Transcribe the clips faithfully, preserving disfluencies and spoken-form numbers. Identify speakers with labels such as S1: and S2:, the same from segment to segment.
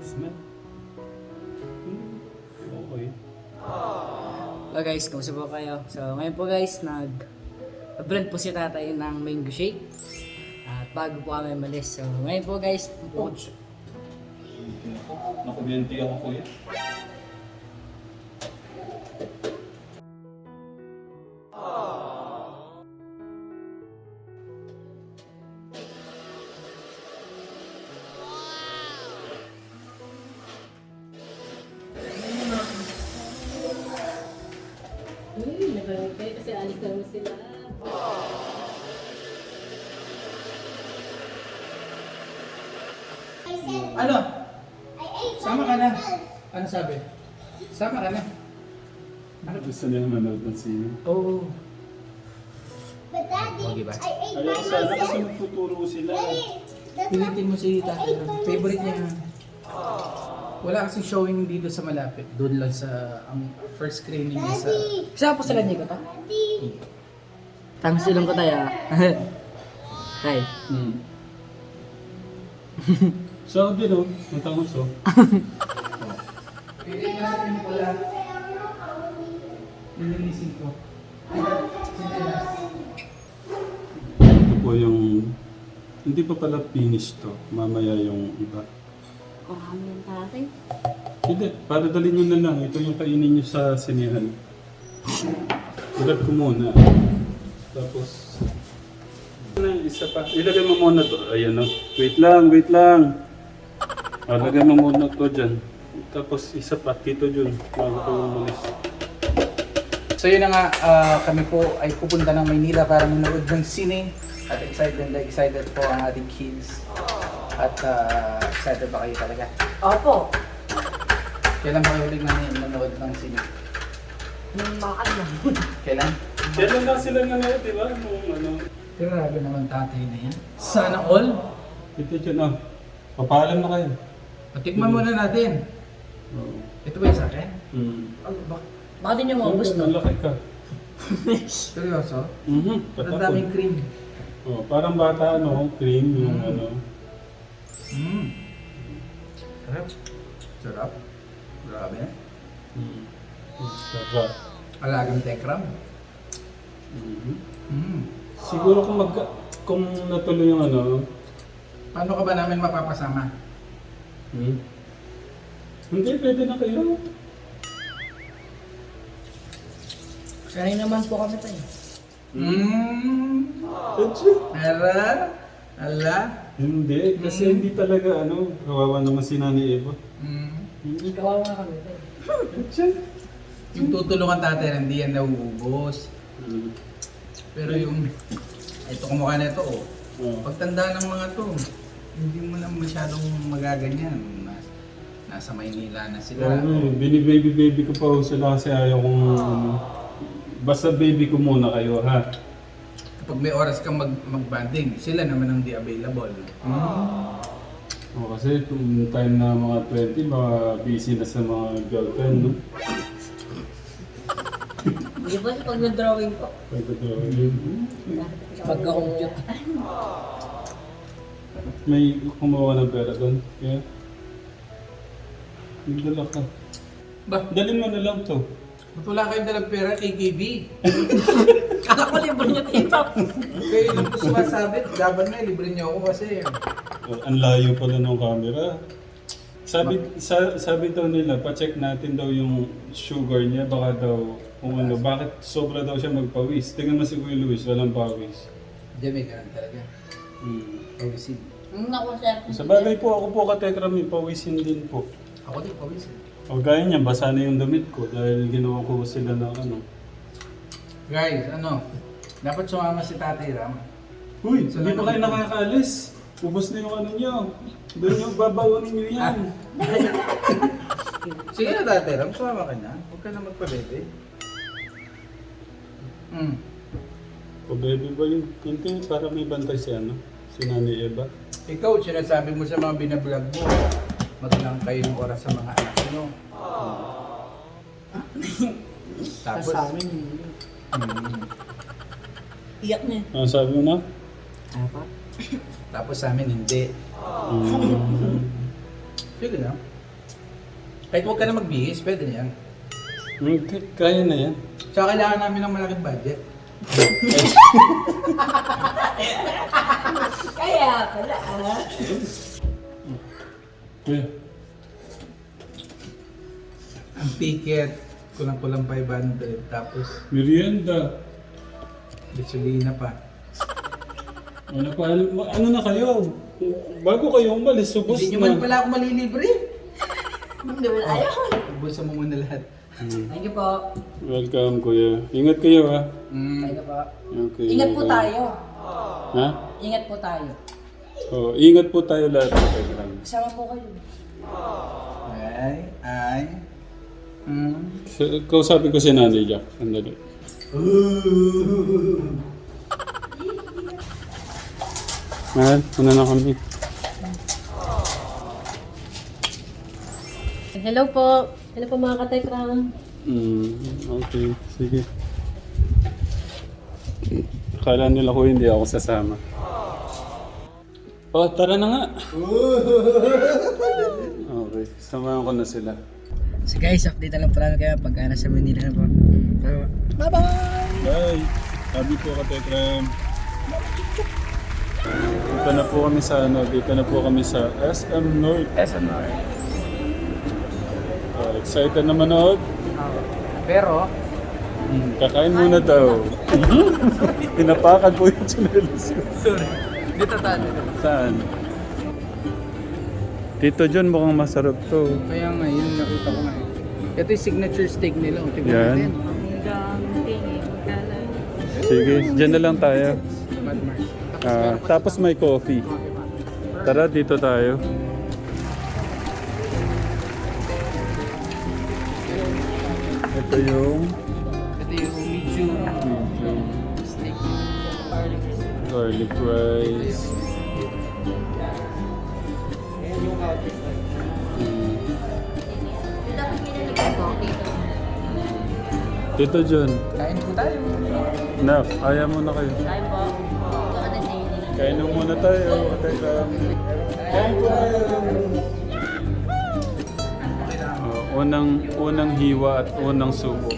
S1: Nice man. Hmm, okay.
S2: Hello guys, kumusta po kayo? So ngayon po guys, nag blend po si tatay ng mango shake. At bago po kami malis. So ngayon po guys, po,
S1: Nakabiyenti ako kuya.
S3: Uy, nabalik kayo kasi alis na naman sila.
S4: Ano? Sama ka na. Ano sabi? Sama ka na.
S1: Ano gusto niya manood ng sino?
S4: Oo.
S5: But Daddy,
S4: Oh, diba?
S5: I ate by
S1: Ayaw sana kasi
S5: myself.
S1: magtuturo sila.
S5: Daddy, that's
S4: Pilitin mo si tatay.
S5: I ate by
S4: Favorite niya.
S5: myself.
S4: Wala kasing showing dito sa malapit. Doon lang sa ang first screening niya sa...
S5: Daddy,
S2: isa po sila niyo ko to.
S5: Daddy.
S2: Tangos silong ko tayo. Tay.
S1: Hmm. So, din o. Matangos o.
S4: Pilitin mo natin yung pula. Nilinisin ko.
S1: Ito po yung... Hindi pa pala finish to. Mamaya yung iba.
S3: Marami yung tatay.
S1: Hindi, para dalhin nyo na lang. Ito yung kainin nyo sa sinihan. Ilad ko muna. Tapos... Ano yung isa pa? Ilagay mo muna to. Ayan o. Wait lang, wait lang. O, lagay mo muna to dyan. Tapos isa pa, Tito Jun. Bago ko umalis.
S4: So yun na nga, ah, kami po ay pupunta ng Maynila para manood ng sine. At excited na excited po ang ating kids. At ah, excited ba kayo talaga?
S2: Opo.
S4: Kailan ba kayo huling nan- nanood ng sine?
S2: Nung makaan lang.
S4: Kailan?
S1: Kailan na sila nanood, di ba? Nung ano...
S4: Grabe naman tatay na yan. Sana all.
S1: Tito Jun, ah. Papaalam na kayo.
S4: Patikman muna natin.
S1: Oo.
S4: Ito ba yung sa akin?
S1: Hmm.
S4: Oh, bak
S2: Baka din yung maubos no?
S1: Malaki ka.
S4: seryoso?
S1: Mhm.
S4: Ang
S1: Patapon.
S4: daming cream.
S1: Oh, parang bata, ano, cream, yung
S4: Mm.
S1: ano.
S4: Mmm. Sarap. Sarap. Grabe.
S1: Mm. Sarap.
S4: Alagang tekram.
S1: Mhm.
S4: Mmm.
S1: Siguro kung mag kung natuloy yung ano,
S4: Paano ka ba namin mapapasama?
S1: hmm? Hindi, pwede na kayo.
S2: Sanay naman po kami tayo.
S4: Mmm.
S1: Atsi.
S4: Ala. Ala.
S1: Hindi, kasi hindi talaga ano, kawawa naman si Nani Eva.
S4: Mmm.
S1: Hindi.
S2: Kawawa kami tayo.
S1: Atsi.
S4: Yung tutulungan tatay, hindi yan nauubos.
S1: Mm.
S4: Pero yung, ito kumukha na ito, oh.
S1: Oh.
S4: Pagtanda ng mga to, hindi mo na masyadong magaganyan. Nas, nasa Maynila na sila.
S1: Oo, bini-baby-baby ko pa ho sila kasi ayaw kong ano. Basta baby ko muna kayo, ha?
S4: Kapag may oras kang mag mag-banding, sila naman ang di available.
S1: Oh, kasi kung time na mga twenty, mga busy na sa mga girlfriend, no?
S2: Hindi ba pag nag-drawing ko?
S1: Pwede ko yun.
S2: Pagka-compute.
S1: May kumuha ng pera doon. Yeah. Nagdala ka.
S4: Ba,
S1: Dalhin mo na lang to.
S4: ba't wala kayong dalang pera kay K B?
S2: Kala ko libre niya tito.
S4: Okay, yung gusto masabi, laban na, libre niyo ako kasi.
S1: Oh, ang layo pala ng camera. Sabi sa, sabi daw nila, pa-check natin daw yung sugar niya. Baka daw, kung ano, bakit sobra daw siya magpawis. Tingnan mo si Kuya Luis, walang pawis.
S4: Hindi, may ganun talaga.
S1: Hmm.
S4: Pawisin.
S2: Naku sir.
S1: Sa bagay po, ako po katekram, may pawisin din po.
S4: Ako din, pawisin.
S1: O gaya niya, basa na yung damit ko dahil ginawa ko sila ng ano.
S4: Guys, ano, dapat sumama si Tatay Ram.
S1: Uy,
S4: Sa
S1: hindi pa kayo
S4: laman-
S1: nakakaalis. Ubus na yung ano niyo. Doon yung babawanin niyo yan.
S4: Sige na Tatay Ram, sumama ka na. Huwag ka na magpabebe. Hmm.
S1: O baby ba yun? Hindi, para may bantay si ano? Si Nani Eva.
S4: Ikaw, sinasabi mo sa mga binablog mo, maglang kayo ng oras sa mga anak mo. Tapos,
S2: Sa amin hindi.
S4: hmm,
S2: Iyak niya.
S1: Ano sabi mo na?
S2: Apa?
S4: tapos sa amin hindi.
S1: Mm.
S4: Sige na. Kahit huwag ka na magbihis, pwede na yan.
S1: Hmm, k- Kaya na yan.
S4: Tsaka kailangan namin ng malaking budget.
S3: Kaya pala ah.
S1: Kuya.
S4: Ang ticket, kulang-kulang five hundred. Tapos,
S1: Merienda.
S4: gasolina pa.
S1: Ano pa? Ano na kayo? Bago kayo umalis, subos
S4: Hindi nyo man
S1: na.
S4: pala ako malilibre.
S3: Hindi mo na ayaw.
S4: Bulsa mo muna lahat.
S2: Thank you po.
S1: Welcome, kuya. Ingat kayo, ha?
S4: Mm.
S2: Thank you po.
S1: Okay.
S2: Ingat po tayo.
S1: Ha?
S2: Ingat po tayo.
S1: Oh, ingat po tayo lahat. Okay, lang.
S2: Kasama po kayo.
S4: Ay, ay. Mm.
S1: Sa- Kausapin ko si Nanay Jack. Sandali. Mahal, una na kami.
S3: Hello po. Hello po mga katekram.
S1: Hmm, okay. Sige. Akala nila ko hindi ako sasama. Oh, tara na nga. Okay, samahan ko na sila.
S2: So guys, update na lang po namin kayo pag uh, nasa Manila na po. So, bye-bye!
S1: Bye! Sabi po ka, Tekram. Dito na po kami sa ano, dito na po kami sa S M North.
S4: S M R.
S1: Uh, excited na manood?
S4: Pero,
S1: Hmm, kakain muna daw. Tinapakan po yung chinelas ko.
S4: sorry. Dito tayo.
S1: Saan? Tito John, mukhang masarap to.
S4: Kaya nga, yun nakita ko nga. eh. Ito yung signature steak nila. O, tingnan
S1: Yan.
S4: natin.
S3: Hanggang tingin ka lang.
S1: Sige, dyan na lang tayo.
S4: Bad Mars. Tapos
S1: Ah,
S4: meron pa
S1: tapos may coffee.
S4: coffee pa.
S1: Tara, dito tayo. Ito yung
S4: Ito yung medium
S1: medium
S4: steak.
S1: garlic rice. Mm. Tito John,
S4: Kain po tayo.
S1: na, ayaw mo na kayo.
S3: Kain po. Baka na Jenny.
S1: Kain na muna tayo. Teka. Kain po tayo. Oh, unang, unang hiwa at unang subo.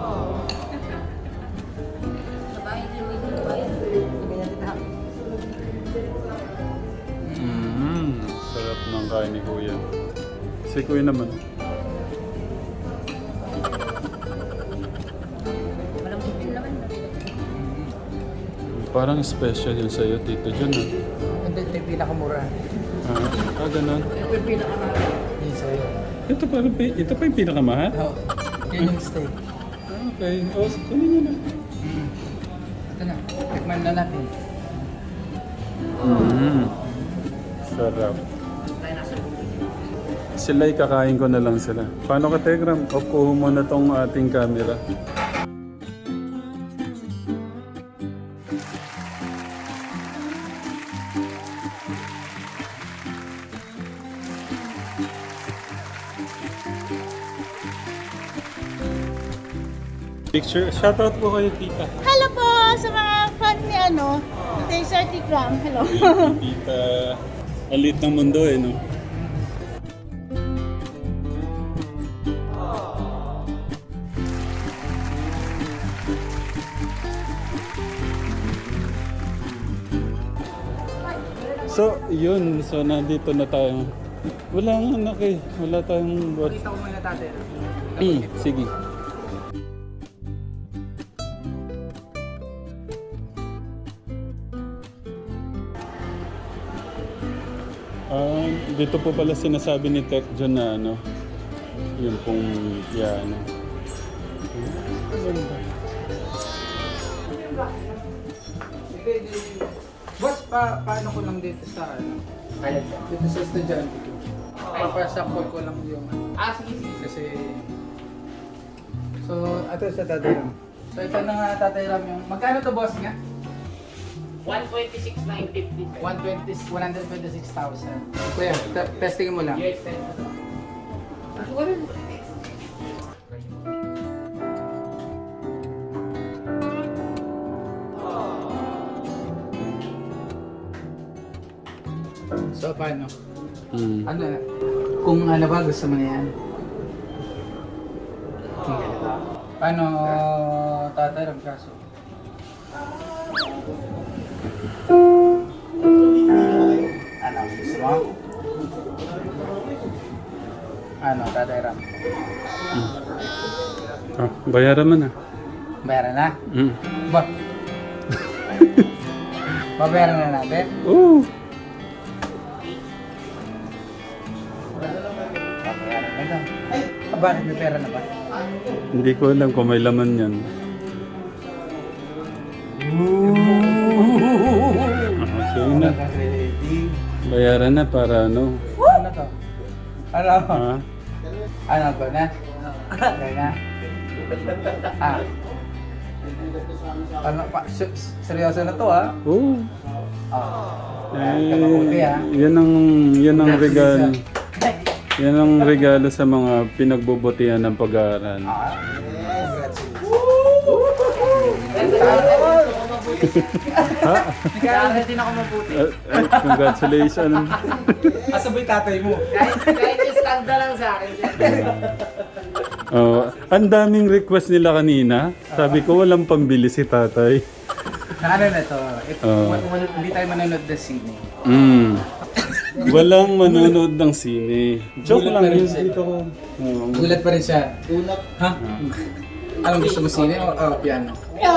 S1: Mm, sarap ng kain ni Kuya. Si Kuya naman.
S3: Walang bibig naman.
S1: Parang special yun sa'yo, Tito John. Ah,
S4: Ito ito yung pinakamura.
S1: ah, ah ganun.
S4: Ito yung pinakamura. Yun sa'yo.
S1: Ito, parang, pi- ito pa yung pinakamahal?
S4: Oo. Yun yung steak.
S1: Ah, okay. O, oh, kunin nyo na.
S4: Mm. Ito na. Tikman na natin.
S1: Mm. Sarap. Sila'y kakain ko na lang sila. Paano ka, Tegram? Off ko muna tong ating camera. Picture, shoutout po kayo, tita.
S6: Hello po sa mga fan ni ano, Taser Tikram. Hello.
S1: Tita, alit ng mundo eh, no? So, yun. So, nandito na tayo. Wala nga anak eh. Wala tayong bot.
S4: Pakita ko muna tatay.
S1: Hmm, sige. Ah, dito po pala sinasabi ni Tech John na ano, yung pong, yeah, ano.
S4: Hindi, hindi. Boss, pa, paano ko lang dito sa ano? Dito sa estudyante ko. Papasakol ko lang yung Ah, sige, sige. Kasi... So, ito sa Tatay Ram. So, ito na nga Tatay Ram yung... Magkano to boss nga?
S7: one twenty-six nine fifty.
S4: one twenty, one hundred twenty-six thousand. Kuya, te- testing mo lang.
S7: Yes, sir.
S4: So, paano?
S1: Hmm.
S4: Ano, kung ano ba gusto mo na yan? Ano, tatay, ang kaso? Ano, gusto mo? Ano, tatay Ram?
S1: Ah, bayaran mo na.
S4: Bayaran na?
S1: Mm.
S4: Ba? Babayaran na natin?
S1: Oh.
S4: Babayaran na lang. Ah, bakit may pera na ba?
S1: Hindi ko alam kung may laman yan. Okay na.
S4: Ready?
S1: Bayaran na para ano.
S4: Ano to? Ano?
S1: Ha?
S4: Ano ba na? Kaya na? Ah. Ano pa? S- seryoso na to ha?
S1: Oh.
S4: Oh.
S1: Eh,
S4: Mabuti, ha?
S1: yan ang, yan ang regalo. Yan ang regalo sa mga pinagbubutihan ng pag-aaral.
S4: Ah.
S1: Ha?
S7: Kaya din ako mabuti.
S1: Eh, eh, congratulations.
S4: Asabay tatay mo.
S7: Kahit, kahit stand na lang sa akin.
S1: Oh, ang daming request nila kanina. Sabi ko walang pambili si tatay.
S4: Na ano na to? Ito,
S1: Oo.
S4: wal- wal- hindi tayo manonood ng sine.
S1: Mm. Walang manonood ng sine. Joke
S4: Gulat
S1: lang
S4: pa rin
S1: yun
S4: siya.
S1: dito ko. Oo.
S4: Gulat pa rin siya. Gulat? Ha? Anong gusto mo, sine o o piano?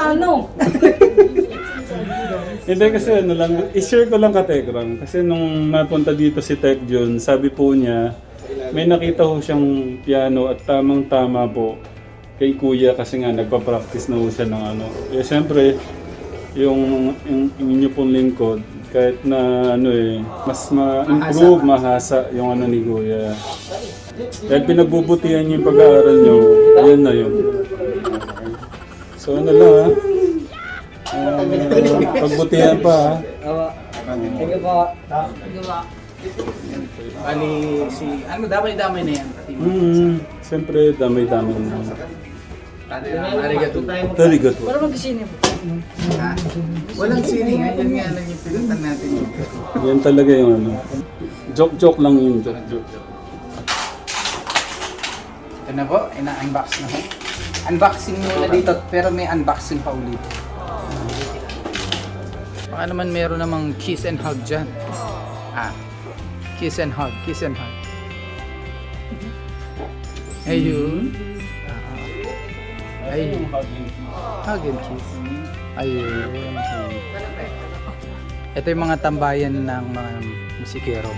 S1: Hindi kasi ano lang, i-share ko lang ka Tekram. Kasi nung napunta dito si Tek Jun, sabi po niya, may nakita ko siyang piano at tamang-tama po kay Kuya kasi nga nagpa-practice na po siya ng ano. Eh siyempre, yung, yung, yung inyo pong lingkod, kahit na ano eh, mas ma-improve, mahasa yung ano ni Kuya. Dahil pinagbubutihan niyo yung pag-aaral niyo, yun na yun. So ano lang ha? Uh, pagbutihan pa ha?
S2: Thank you po.
S4: Bali, si... Ano, damay-damay na yan. Pati mo.
S1: Mm, siyempre, damay-damay na.
S4: Arigato.
S1: Very good.
S2: Para mag-sine po.
S4: Ha? Walang sine nga. Yan nga lang yung pinuntan natin.
S1: Yan talaga yung ano. Joke-joke lang yun. Joke-joke.
S4: Ito na po, ina-unbox na po. Unboxing muna dito, pero may unboxing pa ulit. Baka naman meron namang kiss and hug dyan. Ah, kiss and hug, kiss and hug. Ayun. Ah, ayun. Hug and kiss. Ayun. Ito yung mga tambayan ng mga musikero.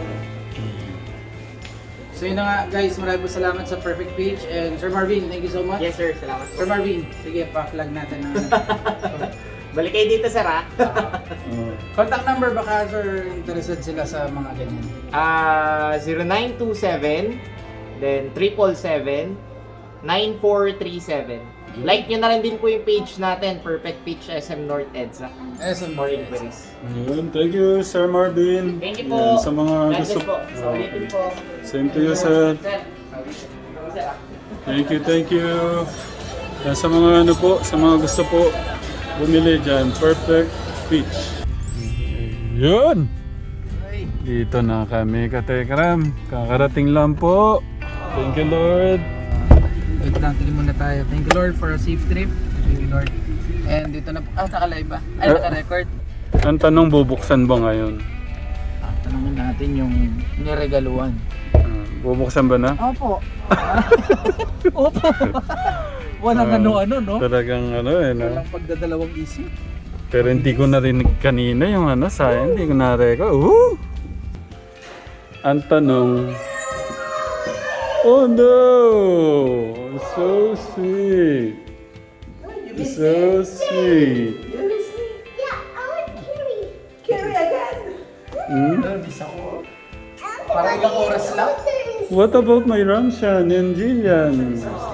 S4: So yun na nga guys, maraming po salamat sa Perfect Page and Sir Marvin, thank you so much.
S7: Yes sir, salamat po.
S4: Sir Marvin, sige pa-flag natin ng
S7: Balik kayo dito sir ha.
S1: Oh.
S4: contact number baka sir interested sila sa mga ganyan.
S7: Ah, zero nine two seven then triple seven nine four three seven. Like nyo na rin din po yung page natin, Perfect Pitch S M North EDSA.
S4: Eh, sa
S7: For inquiries.
S1: Ayun, thank you, Sir Marvin.
S7: Thank you po.
S1: Yan, sa mga
S7: God
S1: gusto...
S7: bless po. Sa ulitin po.
S1: Same to you, sir.
S7: Sir. Sir.
S1: Thank you, thank you. Yan, sa mga ano po, sa mga gusto po, bumili dyan, Perfect Pitch. Yun! Dito na kami, Katekram. Kakarating lang po. Thank you, Lord.
S4: Wait lang, tingin muna tayo. Thank you Lord for a safe trip. Thank you Lord. And dito na po, ah, naka-live ba? Ay,
S1: Eh.
S4: naka-record.
S1: Ang tanong, bubuksan ba ngayon?
S4: Ah, tanongin natin yung niregaluan.
S1: Ah, bubuksan ba na?
S4: Opo. Opo. Walang
S1: Ah,
S4: ano-ano, no?
S1: Talagang ano eh, no?
S4: Walang pagdadalawang isip.
S1: Pero hindi ko narinig kanina yung ano, sayang, hindi ko na-record. Uh! Ang tanong, oh no! So sweet! So sweet!
S5: Yeah, I want Carrie.
S1: Hmm?
S4: Parang ilang oras lang.
S1: What about my Ramshan and Jillian?